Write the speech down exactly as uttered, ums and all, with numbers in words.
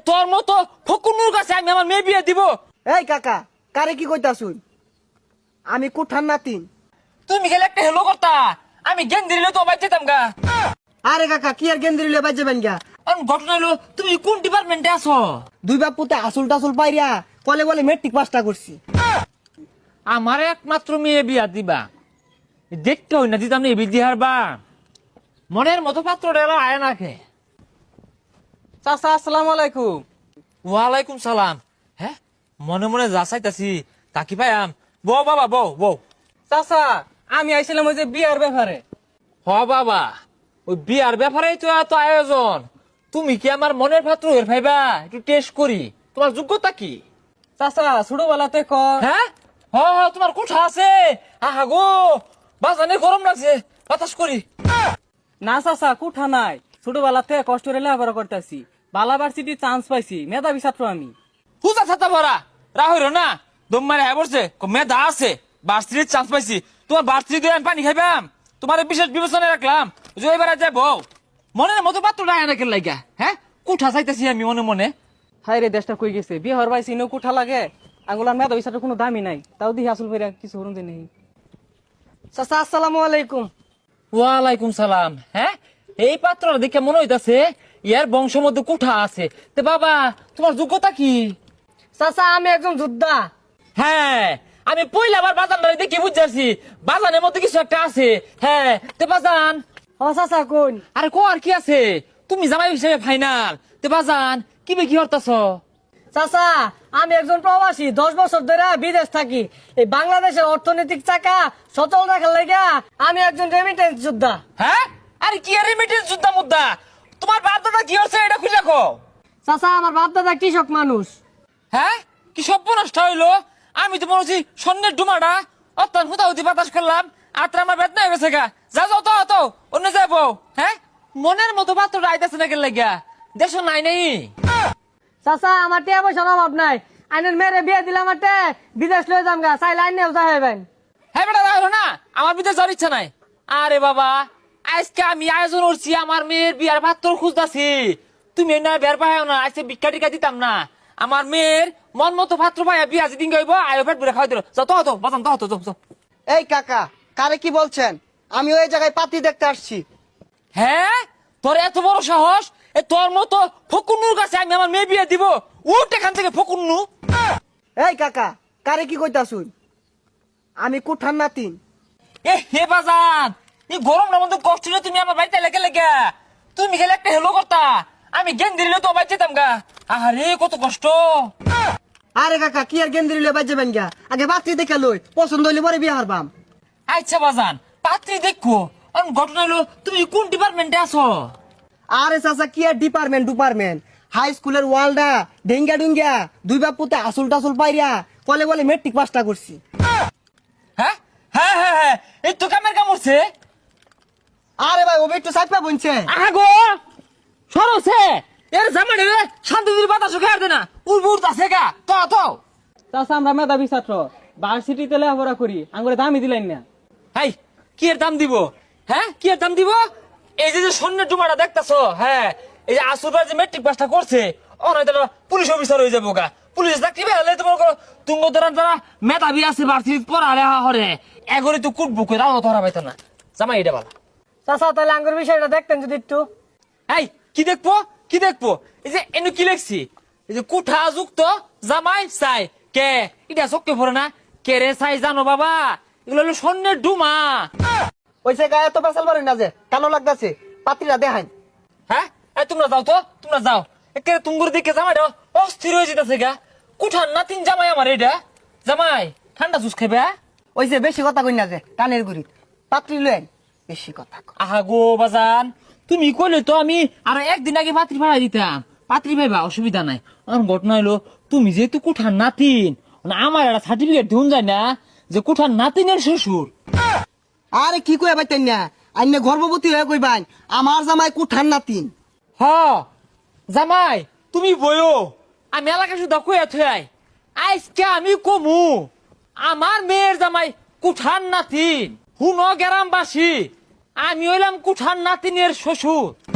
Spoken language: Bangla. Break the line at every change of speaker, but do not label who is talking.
তোর মতো ফকুনুর কাছে আমি আমার মেয়ে বিয়ে দিব?
এই কাকা, কারে কি কইতাছুন? আমি কুঠার নাতিন।
তুমি গেলে একটা হেলো করতা, আমি জ্ঞান দিলে তো বাদ যেতাম গা।
আরে কাকা, কি আর গেন্দ্রি লিয়ে বাজে বেন গা?
কারণ ঘটনা হলো তুমি কোন ডিপার্টমেন্টে আছো?
দুই বাপুতে আসল টাসল পাইরা কলে বলে মেট্রিক পাসটা করছি।
আমার একমাত্র মেয়ে বিয়া দিবা, দেখতে হই না দিতাম না এই বিধি হারবা। মনের মতো পাত্র ডেলা আয় না খে।
চাচা আসসালামু আলাইকুম।
ওয়ালাইকুম সালাম। হ্যাঁ, মনে মনে যা চাইতাছি তাকি পাইয়াম। বউ বাবা, বউ বউ।
চাচা আমি আইছিলাম ওই যে বিয়ার ব্যাপারে।
হ বাবা, ওই বিয়ার ব্যাপারেই তো এত আয়োজন। তুমি কি আমার মনের পাত্র এর ভাইবা? একটু টেস্ট করি, তোমার যোগ্যতা কি?
চাচা ছোটবেলাতে ক
হ্যাঁ, হ হ, তোমার কোঠা আছে। আহা গো, বাজানে গরম লাগছে, বাতাস করি।
না চাচা কুঠা নাই, ছোটবেলাতে কষ্ট করে লেখাপড়া করতেছি, বালা ভার্সিটি চান্স পাইছি, মেধাবী ছাত্র আমি।
হুজা ছাতা ভরা রাহইর না, দম মারে হ্যাঁ বলছে মেধা আছে, বার্ষিক চান্স পাইছি। তোমার বার্ষিক দিয়ে আমি পানি খাইবাম, তোমার বিশেষ বিবেচনায় রাখলাম। যে এবার যাবো মনের মতো পাত্র নাই না কেন লাগা। হ্যাঁ, কুঠা চাইতেছি আমি মনে মনে।
হাই রে, দেশটা কই গেছে, বিয়ে হওয়ার পাইছি ইনো কুঠা লাগে। আঙ্গুলার মেধাবী ছাত্র কোনো দামি নাই, তাও দিহি আসল করে কিছু হরুন নেই।
চাচা আসসালামু আলাইকুম।
ওয়ালাইকুম সালাম। হ্যাঁ, এই পাত্র দেখে মনে হইতাছে ইয়ার বংশ মধ্যে কুঠা আছে। তে বাবা, তোমার যোগ্যতা কি?
চাচা আমি একজন যোদ্ধা।
হ্যাঁ, আমি পয়লা বার বাজান দেখি বুঝছি বাজানের মধ্যে কিছু একটা আছে। হ্যাঁ, তে বাজান।
ও চাচা কোন?
আরে কো আর কি আছে, তুমি জামাই হিসেবে ফাইনাল। তে বাজান কি বে কি হরতাছ?
চাচা আমি একজন প্রবাসী, দশ বছর ধরে বিদেশ থাকি। এই বাংলাদেশের অর্থনৈতিক চাকা সচল রাখার লাগা আমি একজন রেমিটেন্স যোদ্ধা।
হ্যাঁ, আরে কি রেমিটেন্স যুদ্ধা মুদ্দা? তোমার বাপ দাদা কি হচ্ছে এটা খুলে রাখো।
চাচা আমার বাপ দাদা কৃষক মানুষ।
হ্যাঁ, কি সব নষ্ট হইলো? আমি তো মনে হচ্ছি স্বর্ণের ডুমাটা অত্যন্ত হুতাহুতি বাতাস করলাম, আর আমার বেদনা হয়ে গেছে গা। যা যাও তো তো অন্য যাবো। হ্যাঁ, মনের মতো পাত্রটা আইতাছে না কেন লাগিয়া? দেশ নাই নেই।
চাচা আমার টিয়া পয়সার অভাব নাই, আইনের মেরে বিয়ে দিলাম মাঠে বিদেশ লয়ে যাম গা, চাই লাইন নেও যাবেন।
হ্যাঁ বেটা, রাখলো না, আমার বিদেশ যাওয়ার ইচ্ছা নাই। আরে বাবা, আজকে আমি আয়োজন করছি আমার মেয়ের বিয়ার পাত্র খুঁজতাছি। তুমি না বের পাহাও না, আজকে ভিক্ষা টিকা দিতাম না। আমার মেয়ের মন মতো পাত্র পাইয়া বিয়া যেদিন গাইব আয়ো পেট ভরে খাওয়াই দিল। যাও তো তো বাজান তো তো তো।
এই কাকা, কারে কি বলছেন? আমি ওই জায়গায় পাতি দেখতে আসছি।
হ্যাঁ, তোর এত বড় সাহস? এ তোর মতো ফকুন্নুর কাছে আমি আমার মেয়ে বিয়ে দিব? উঠ এখান থেকে ফকুন্নু।
এই কাকা, কারে কি কইতাছুন? আমি কুঠার নাতিন।
এ হে বাজান, এই গরমটার মধ্যে কষ্ট হলে তুমি আমার বাড়িতে লেগে লেগে তুমি গেলে একটা হেলো করতা, আমি জ্ঞান দিলে তো বাড়ি যেতাম গা। আরে কত কষ্ট।
আরে কাকা, কি আর গেন্দ্রি লিয়ে বাজে বেন গা? আগে পাত্রী দেখে লই, পছন্দ হইলে পরে বিয়ে হারবাম।
আচ্ছা বাজান, পাত্রী দেখো। ঘটনা হলো তুমি কোন ডিপার্টমেন্টে আছো?
আরে চাচা, কি আর ডিপার্টমেন্ট ডিপার্টমেন্ট, হাই স্কুলের ওয়ালডা ডেঙ্গা ডুঙ্গা দুই বাপুতে আসল টাসল পাইরা কলে বলে মেট্রিক পাসটা করছি।
হ্যাঁ হ্যাঁ হ্যাঁ হ্যাঁ, এই তো কামের কাম হচ্ছে।
আরে ভাই, ও একটু সাইড পা বলছে।
আগো সরছে এর জামানে শান্তি দির বাতাস খেয়ার দে না, উড় উড় আছে গা। তো তো
চাচা আমরা মেধাবী ছাত্র, ভার্সিটিতে লেখাপড়া করি, আঙ্গুরে দামি দিলেন না।
হাই, কি এর দাম দিব? হ্যাঁ, কি এর দাম দিব? এই যে যে স্বর্ণের ডুমাটা দেখতাছো, হ্যাঁ, এই যে আসুরবার যে মেট্রিক পাসটা করছে, অনয়তো পুলিশ অফিসার হয়ে যাবো গা। পুলিশ চাকরি পেলে তোমার তুঙ্গ ধরার যারা মেধাবী আছে ভার্সিটি পড়া লেখা হরে এগরে তো কুটবো করে আলো ধরা পাইতো না। জামাই এটা বলা।
চাচা তাহলে আঙ্গুর বিষয়টা দেখতেন যদি একটু।
এই কি দেখবো কি দেখবো? এই যে এনে কি লেখছি, এই যে কুঠা যুক্ত জামাই চাই কে, এটা চোখে পড়ে না? কে রে চাই জানো বাবা? এগুলো হলো স্বর্ণের ডুমা।
ওইসে গায়ে তো বেসাল পারেন না যে কালো লাগতেছে, পাত্রীরা দেখান।
হ্যাঁ, এই তোমরা যাও তো, তোমরা যাও। একে তুঙ্গুর দিকে জামাইটা অস্থির হয়ে যেতেছে গা। কুঠার নাতিন জামাই আমার এটা। জামাই ঠান্ডা জুস খাবে?
ওইসে বেশি কথা কই না যে কানের গুড়ি, পাত্রী লয়েন বেশি কথা কয়।
আহা গো বাজান, তুমি কইলে তো আমি আরো একদিন আগে পাত্রী ভাড়া দিতাম। পাত্রী ভাইবা অসুবিধা নাই। আমার ঘটনা হলো তুমি যেহেতু কুঠার নাতিন, আমার একটা সার্টিফিকেট দিন যায় না যে কুঠার নাতিনের শ্বশুর।
আরে কি কই পাইতেন না, আইনে গর্ভবতী হয়ে কইবান আমার জামাই কুঠার নাতিন।
হ জামাই, তুমি বইও, আমি এলাকা শুধু কইয়া থুয়াই। আজকে আমি কমু আমার মেয়ের জামাই কুঠার নাতিন। হুন গ্রামবাসী, আমি হইলাম কুঠার নাতিনের শ্বশুর।